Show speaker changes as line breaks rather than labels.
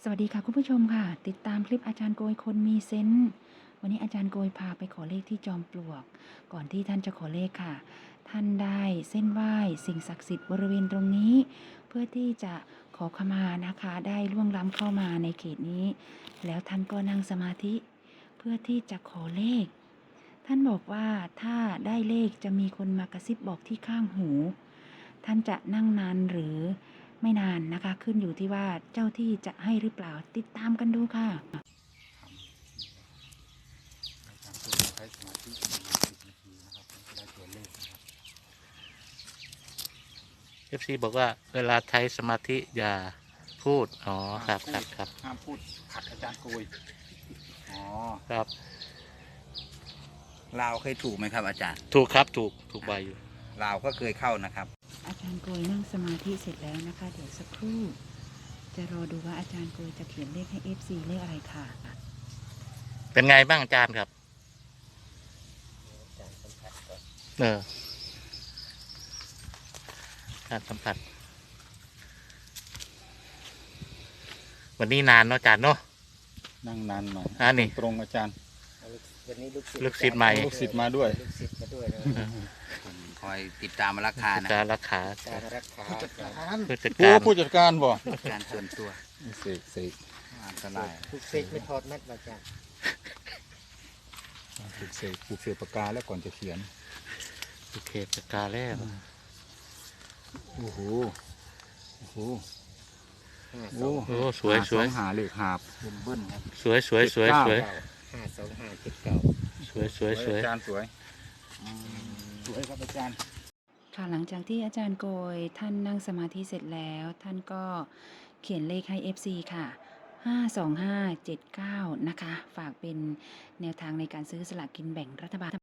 สวัสดีค่ะคุณผู้ชมค่ะติดตามคลิปอาจารย์โกยคนมีเซนส์วันนี้อาจารย์โกยพาไปขอเลขที่จอมปลวกก่อนที่ท่านจะขอเลขค่ะท่านได้เส้นไหว้สิ่งศักดิ์สิทธิ์บริเวณตรงนี้เพื่อที่จะขอขมานะคะได้ล่วงล้ำเข้ามาในเขตนี้แล้วท่านก็นั่งสมาธิเพื่อที่จะขอเลขท่านบอกว่าถ้าได้เลขจะมีคนมากระซิบบอกที่ข้างหูท่านจะนั่งนานหรือไม่นานนะคะขึ้นอยู่ที่ว่าเจ้าที่จะให้หรือเปล่าติดตามกันดูค่ะ
ใช้สมาธิประมาณ10 นาทีนะครับจะได้ตัวเลขนะครับ
FC บอกว่าเวลาใช้สมาธิอย่าพูดอ๋อครับครับครับ
ห้ามพูดขัดอาจารย์โกยอ๋อ
ครับ
ลาวเคยถูกไหมครับอาจารย์
ถูกครับถูกใบอยู่
ลาวก็เคยเข้านะครับ
อาจารย์โกยนั่งสมาธิเสร็จแล้วนะคะเดี๋ยวสักครู่จะรอดูว่าอาจารย์โกยจะเขียนเลขให้ FC เลขอะไรค่ะ
เป็นไงบ้างอาจารย์ครับการสัมผัสวันนี้นานเนาะอาจารย์เนาะ
นั่งนานหน่อย
นี่
ตรงอาจารย์
วันนี้
ลูกศิษย์ใหม่
ลูกศิษย์มาด้วย
ลูกศิษย์มาด้วยนะ
ผมคอยติดตามมาราคานะ
การรักษา
การรักษา
ผู้จัด
โอ้
การ
ผู้จัดการบ่
การส่วนตัว
เสก
อันตราย
ทุกเซกไม่ทอดแมทมาจาก
ปลูกเสกปากกาแล้วก่อนจะเขียน
โอเคจัดการแล้ว
โอ้โหโอ้โห
5
โอ้
โอ้สวยสวย
หาเลขหาบเบิ้ลครับ
สวยสวย
เจ็ด
สวยส
เก้า
วย
2 5 7 9
สวยสวยสวย
อาจารย์สวยสวยครับอาจารย์
ค่ะหลังจากที่อาจารย์โกยท่านนั่งสมาธิเสร็จแล้วท่านก็เขียนเลขให้ FC ค่ะ52579นะคะฝากเป็นแนวทางในการซื้อสลากกินแบ่งรัฐบาล